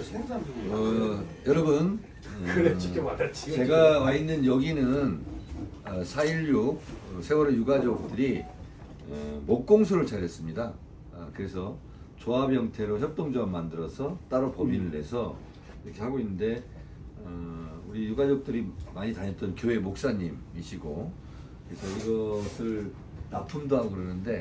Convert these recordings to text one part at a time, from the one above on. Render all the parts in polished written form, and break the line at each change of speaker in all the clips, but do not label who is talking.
여러분,
그래 지켜받았지.
제가 와 있는 여기는 4.16 세월호 유가족들이 목공소를 차렸습니다. 그래서 조합 형태로 협동조합 만들어서 따로 법인을 내서 이렇게 하고 있는데 우리 유가족들이 많이 다녔던 교회 목사님이시고, 그래서 이것을 납품도 하고 그러는데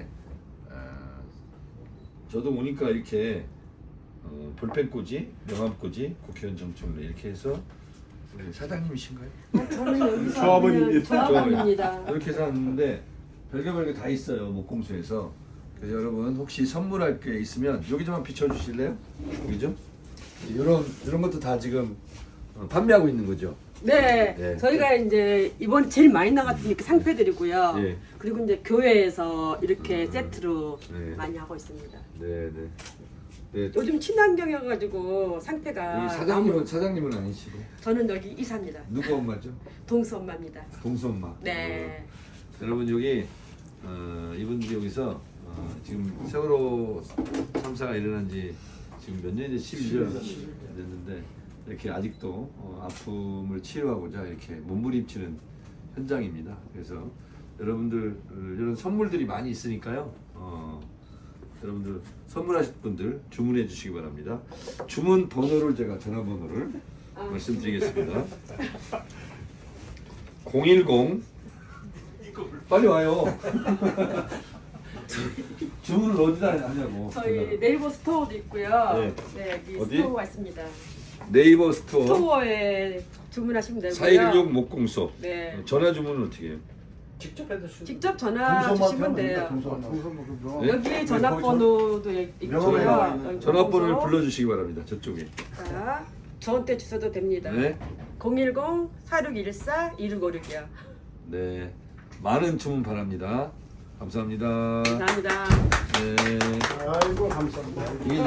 저도 오니까 이렇게 볼펜꽂이, 명함꽂이, 국회의원 정청래 이렇게 해서 우리 사장님이신가요?
저는 여기서
조합원입니다.
조합원입니다.
이렇게 해서 왔는데 별게 다 있어요, 목공소에서. 그래서 여러분 혹시 선물할 게 있으면 여기 좀 한번 비춰주실래요? 여기 좀? 이런 것도 다 지금 판매하고 있는 거죠?
네,
네.
저희가 이제 이번 제일 많이 나갔던 이렇게 상패드리고요.
예.
그리고 이제 교회에서 이렇게 세트로
네.
많이 하고 있습니다.
네네. 네.
요즘 친환경이어가지고 상패가
여기 사장님은 아니시고
저는 여기 이사입니다.
누구 엄마죠?
동수 엄마입니다.
동수 엄마.
네.
여러분 여기 이분들이 여기서 지금 세월호 참사가 일어난 지 지금 몇 년이 11년 됐는데 이렇게 아직도 아픔을 치료하고자 이렇게 몸부림치는 현장입니다. 그래서 여러분들 이런 선물들이 많이 있으니까요. 여러분들 선물하실 분들 주문해 주시기 바랍니다. 주문 번호를 제가 전화번호를 말씀드리겠습니다. 010 빨리 와요. 주문을 어디다 하냐고.
저희 네이버 스토어도 있고요.
네.
네, 여기
어디?
스토어가 있습니다.
네이버 스토어
스토어에 주문하시면 되고요.
4116 목공소.
네.
전화 주문은 어떻게 해요?
직접 해주시죠.
직접 전화 주시면 돼요.
네?
여기 전화번호도 있고요.
전화번호를 불러주시기 바랍니다. 저쪽에.
자, 저한테 주셔도 됩니다.
네.
010-4614-2656이요.
네. 많은 주문 바랍니다. 감사합니다.
감사합니다.
네.
아이고 감사합니다.
이게